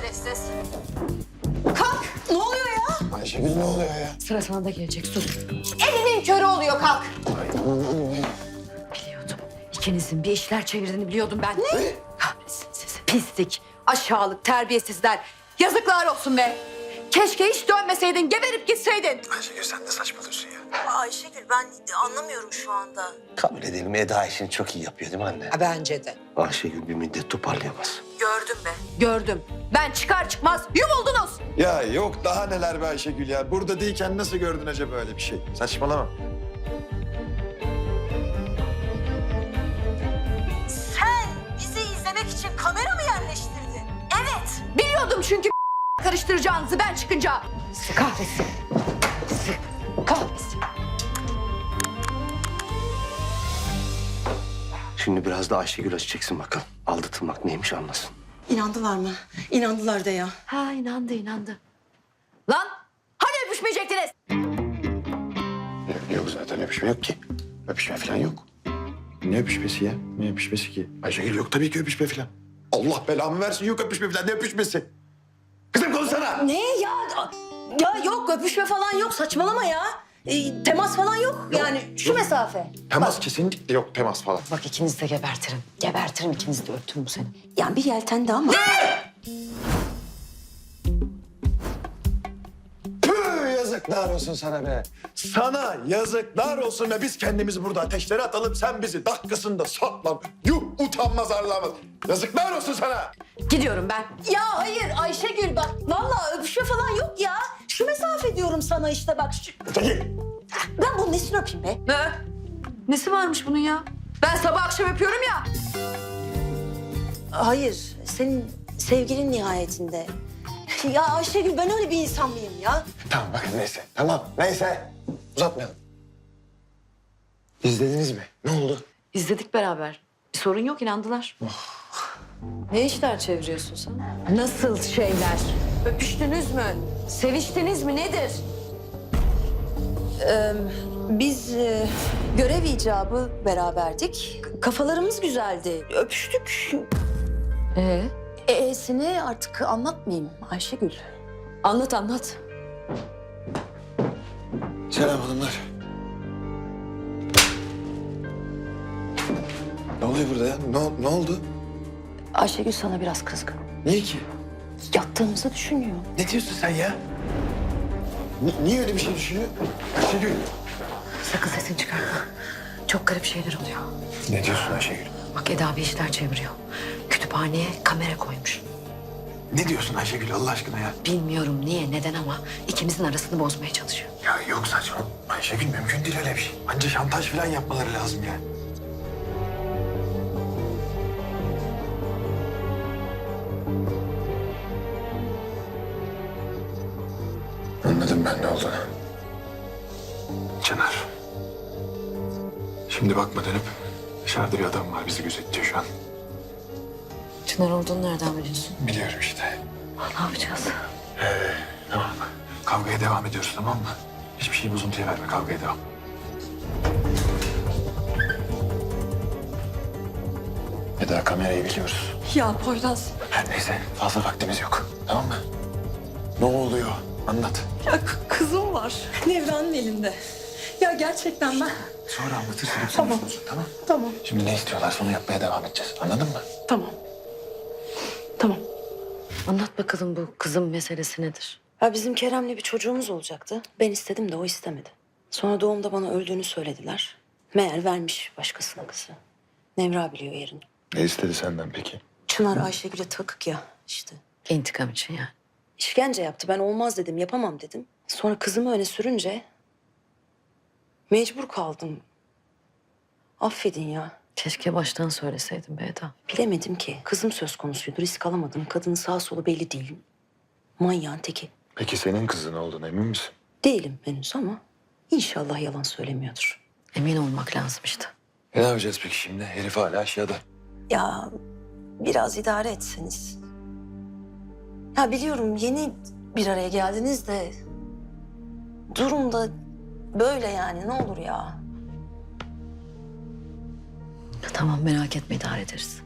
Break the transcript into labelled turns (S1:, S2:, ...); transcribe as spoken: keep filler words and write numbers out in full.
S1: şerefsiz. Kalk. Ne oluyor ya?
S2: Ayşegül ne oluyor ya?
S1: Sıra sana da gelecek, sus. Elinin körü oluyor, kalk.
S2: Ay, ne oluyor ya?
S1: Biliyordum. İkinizin bir işler çevirdiğini biliyordum ben. Ne? Kahretsin sizi. Pislik, aşağılık, terbiyesizler. Yazıklar olsun be. Keşke hiç dönmeseydin, geberip gitseydin.
S2: Ayşegül sen de saçmalıyorsun ya.
S3: Ayşegül ben anlamıyorum şu anda.
S2: Kabul edelim Eda işini çok iyi yapıyor değil mi anne?
S3: Bence de.
S2: Ayşegül bir müddet toparlayamaz.
S3: Gördüm be.
S1: Gördüm. Ben çıkar çıkmaz yumuldunuz.
S4: Ya yok daha neler be Ayşegül ya. Burada değilken nasıl gördün acaba öyle bir şey? Saçmalama.
S3: Sen bizi izlemek için kamera mı yerleştirdin? Evet.
S1: Biliyordum çünkü karıştıracağınızı ben çıkınca. Sizi kahretsin. Sizi kahretsin.
S2: Şimdi biraz da Ayşegül açacaksın bakalım. Aldatılmak neymiş anlasın.
S3: İnandılar mı? İnandılar da ya.
S1: Ha inandı inandı. Lan hani öpüşmeyecektiniz?
S4: Yok, yok zaten öpüşme yok ki. Öpüşme falan yok. Ne öpüşmesi ya? Ne öpüşmesi ki? Ayşegül yok tabii ki öpüşme falan. Allah belamı versin yok öpüşme falan. Ne öpüşmesi? Kızım konuşsana.
S3: Ne ya? Ya yok öpüşme falan yok saçmalama ya. E, temas falan yok. Yani şu mesafe.
S4: Temas kesinlikle yok temas falan.
S1: Bak ikinizi de gebertirim. Gebertirim ikinizi de öptüm bu seni.
S3: Yani bir yeltendi ama.
S4: Püh, yazıklar olsun sana be. Sana yazıklar olsun be. Biz kendimizi burada ateşlere atalım. Sen bizi dakikasında saklan. Yuh utanmaz arlamaz. Yazıklar olsun sana.
S1: Gidiyorum ben.
S3: Ya hayır Ayşegül bak. Vallahi öpüşme falan yok ya. Şu mesafe diyorum sana işte bak. Şu...
S4: Çekil.
S3: Ben bunun nesini öpeyim be?
S1: Ne? Nesi varmış bunun ya? Ben sabah akşam öpüyorum ya.
S3: Hayır, senin sevgilin nihayetinde. Ya Ayşegül ben öyle bir insan mıyım ya?
S4: Tamam bakın neyse. Tamam neyse. Uzatmayalım. İzlediniz mi? Ne oldu?
S1: İzledik beraber. Bir sorun yok inandılar. Ne işler çeviriyorsun sen? Nasıl şeyler? Öpüştünüz mü? Seviştiniz mi? Nedir?
S3: Biz e, görev icabı beraberdik. Kafalarımız güzeldi. Öpüştük.
S1: Ee?
S3: E'sini artık anlatmayayım Ayşegül.
S1: Anlat anlat.
S4: Selam hanımlar. Ne oluyor burada ya? Ne, ne oldu?
S3: Ayşegül sana biraz kızgın.
S4: Niye ki?
S3: Yattığımızı düşünüyor.
S4: Ne diyorsun sen ya? Ni- niye öyle bir şey düşünüyor? Ayşegül.
S1: Sakın sesini çıkarma. Çok garip şeyler oluyor.
S4: Ne diyorsun Ayşegül?
S1: Bak Eda bir işler çeviriyor. Kütüphaneye kamera koymuş.
S4: Ne diyorsun Ayşegül Allah aşkına ya?
S1: Bilmiyorum niye, neden ama ikimizin arasını bozmaya çalışıyor.
S4: Ya yok saçma. Ayşegül mümkün değil öyle bir şey. Anca şantaj falan yapmaları lazım yani. Anladım ben ne olduğunu. Çınar. Şimdi bakma dönüp dışarıda bir adam var bizi gözetliyor şu an.
S1: Çınar olduğunu nereden biliyorsun?
S4: Biliyorum işte.
S1: Ne yapacağız?
S4: Tamam. Kavgaya devam ediyoruz tamam mı? Hiçbir şeyi bozuntuya verme kavgaya devam. Eda kamerayı biliyoruz.
S3: Ya Poyraz.
S4: Her neyse fazla vaktimiz yok. Tamam mı? Ne oluyor? Anlat.
S3: Ya kızım var. Nevran'ın elinde. Ya gerçekten ben...
S4: Sonra anlatırsın. hepsini
S3: Tamam.
S4: konuşuruz, Tamam.
S3: Tamam,
S4: Şimdi ne istiyorlarsa onu yapmaya devam edeceğiz. Anladın mı?
S3: tamam. Tamam.
S1: Anlat bakalım bu kızım meselesi nedir?
S3: Ya bizim Kerem'le bir çocuğumuz olacaktı. Ben istedim de o istemedi. Sonra doğumda bana öldüğünü söylediler. Meğer vermiş başkasına kızı. Nevra biliyor yerini.
S4: Ne istedi senden peki?
S3: Çınar Ayşegül'e takık ya işte.
S1: İntikam için yani.
S3: İşkence yaptı. Ben olmaz dedim, yapamam dedim. Sonra kızımı öne sürünce mecbur kaldım. Affedin ya.
S1: Keşke baştan söyleseydin be Eda.
S3: Bilemedim ki. Kızım söz konusuydu. Risk alamadım. Kadının sağ solu belli değil. Manyağın teki.
S4: Peki senin kızın olduğuna emin misin?
S3: Değilim henüz ama inşallah yalan söylemiyordur.
S1: Emin olmak lazım işte.
S4: E ne yapacağız peki şimdi? Herif hala aşağıda.
S3: Ya biraz idare etseniz. Ya biliyorum yeni bir araya geldiniz de durum da böyle yani ne olur ya.
S1: Tamam merak etme idare ederiz.